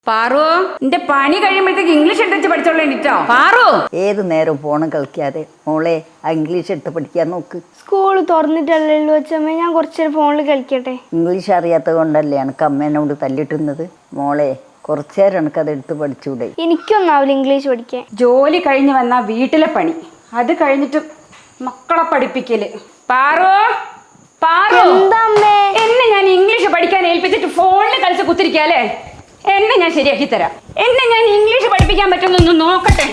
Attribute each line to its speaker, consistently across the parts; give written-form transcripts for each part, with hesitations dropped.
Speaker 1: പാറു, നിന്റെ പണി കഴിയുമ്പോഴത്തേക്ക് ഇംഗ്ലീഷ് എടുത്ത് പഠിച്ചോളേണ്ടിട്ടോ. പാറു,
Speaker 2: ഏത് നേരം ഫോൺ കളിക്കാതെ മോളെ ആ ഇംഗ്ലീഷ് എടുത്ത് പഠിക്കാൻ നോക്ക്.
Speaker 3: സ്കൂൾ തുറന്നിട്ടല്ലല്ലോ അച്ഛമ്മ, ഞാൻ കുറച്ചേരം ഫോണിൽ കളിക്കട്ടെ.
Speaker 2: ഇംഗ്ലീഷ് അറിയാത്തത് കൊണ്ടല്ലേ എനിക്ക് അമ്മേനോട് തല്ലിട്ടുന്നത്. മോളെ കുറച്ചേരം എനിക്കത് എടുത്ത് പഠിച്ചൂടെ?
Speaker 3: എനിക്കൊന്നാവില്ല ഇംഗ്ലീഷ് പഠിക്കാൻ.
Speaker 1: ജോലി കഴിഞ്ഞ് വന്ന വീട്ടിലെ പണി, അത് കഴിഞ്ഞിട്ട് മക്കളെ പഠിപ്പിക്കല്. പാറു, പാറു,
Speaker 3: എന്താ അമ്മേ?
Speaker 1: എന്നെ ഞാൻ ഇംഗ്ലീഷ് പഠിക്കാൻ ഏൽപ്പിച്ചിട്ട് ഫോണിൽ കളിച്ച് കുത്തിരിക്കാല്ലേ? എന്നെ ഞാൻ ശരിയാക്കി തരാം. എന്നെ ഞാൻ ഇംഗ്ലീഷ് പഠിപ്പിക്കാൻ പറ്റുന്നൊന്ന് നോക്കട്ടെ.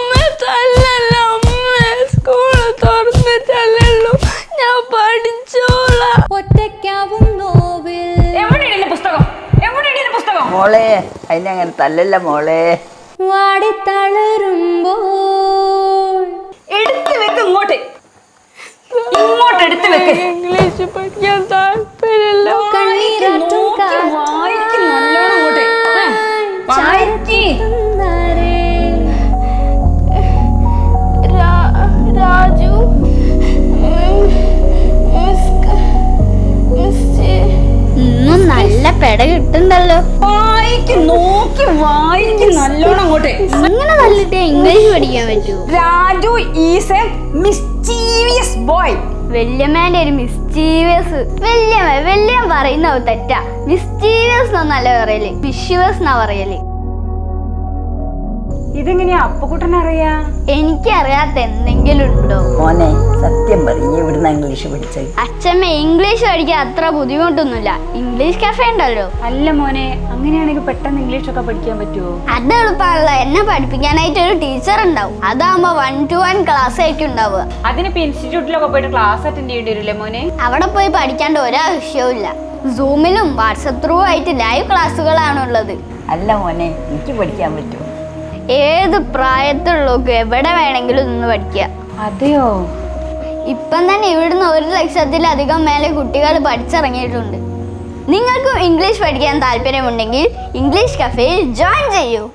Speaker 3: സ്കൂൾ തുറന്നിട്ടല്ലല്ലോ, ഞാൻ പഠിച്ചോളാം.
Speaker 1: എവിടെയാണ് എന്റെ പുസ്തകം? എവിടെയാണ് എന്റെ പുസ്തകം?
Speaker 2: മോളെ അതിനങ്ങനെ തല്ലല്ല മോളെ.
Speaker 1: എടുത്ത് വെക്ക് ഇങ്ങോട്ട്, ഇങ്ങോട്ട് എടുത്ത് വെക്ക്.
Speaker 3: ഇംഗ്ലീഷ് പഠിക്കാൻ താല്പര്യമില്ല.
Speaker 1: വായിക്ക് നല്ലോണം ഇങ്ങോട്ട് വായിക്ക്.
Speaker 3: രാജു, ഇന്നും നല്ല പെട കിട്ടുണ്ടല്ലോ.
Speaker 1: വായിക്ക്, നോക്കി വായിക്ക് നല്ലോണം ഇങ്ങോട്ട്.
Speaker 3: അങ്ങനെ തല്ലിട്ടേ ഇംഗ്ലീഷ് പഠിക്കാൻ പറ്റൂ.
Speaker 1: Raju is a mischievous boy.
Speaker 3: വല്യമ്മേന്റെ ഒരു മിസ്റ്റീവിയസ്. വല്യമ്മ പറയുന്ന തെറ്റാ. മിസ്റ്റീവിയസ് എന്നല്ല പറയല്, മിഷീവിയസ് എന്നാ പറയല്.
Speaker 1: ഇതെങ്ങനെയാ അപ്പുകുട്ടനറിയാ?
Speaker 3: എനിക്കറിയാത്ത എന്തെങ്കിലും ഉണ്ടോ?
Speaker 2: മോനെ സത്യം പറയും, എവിടുന്ന ഇംഗ്ലീഷ് പഠിച്ചത്?
Speaker 3: അച്ഛമ്മ ഇംഗ്ലീഷ് പഠിക്കാൻ അത്ര ബുദ്ധിമുട്ടൊന്നുമില്ല. ഇംഗ്ലീഷ് കഫേ ഉണ്ടല്ലോ.
Speaker 1: അല്ല മോനെ, അങ്ങനെയാണെങ്കിൽ പെട്ടെന്ന് ഇംഗ്ലീഷ് ഒക്കെ പഠിക്കാൻ പറ്റുമോ?
Speaker 3: അത് എളുപ്പമാണല്ലോ. എന്നെ പഠിപ്പിക്കാനായിട്ട് ഒരു ടീച്ചർ ഉണ്ടാവും. അതാകുമ്പോ 1-to-1 ക്ലാസ് ആയിരിക്കും ഉണ്ടാവുക.
Speaker 1: അതിനിപ്പോ ഇൻസ്റ്റിറ്റ്യൂട്ടിലൊക്കെ പോയിട്ട് ക്ലാസ് അറ്റൻഡ് ചെയ്യേണ്ടി വരില്ലേ മോനെ?
Speaker 3: അവിടെ പോയി പഠിക്കാണ്ട് ഒരാവശ്യവും ഇല്ല. സൂമിലും വാട്സപ്പ് ത്രൂ ആയിട്ട് ലൈവ് ക്ലാസ്സുകളാണ് ഉള്ളത്.
Speaker 2: അല്ല മോനെ, എനിക്ക് പഠിക്കാൻ പറ്റുമോ?
Speaker 3: ഏത് പ്രായത്തിലുള്ളവർക്ക് എവിടെ വേണമെങ്കിലും നിന്ന് പഠിക്കുക.
Speaker 1: അതെയോ?
Speaker 3: ഇപ്പം തന്നെ ഇവിടുന്ന് 1,00,000-ലധികം മേലെ കുട്ടികൾ പഠിച്ചിറങ്ങിയിട്ടുണ്ട്. നിങ്ങൾക്കും ഇംഗ്ലീഷ് പഠിക്കാൻ താല്പര്യമുണ്ടെങ്കിൽ ഇംഗ്ലീഷ് കഫേയിൽ ജോയിൻ ചെയ്യൂ.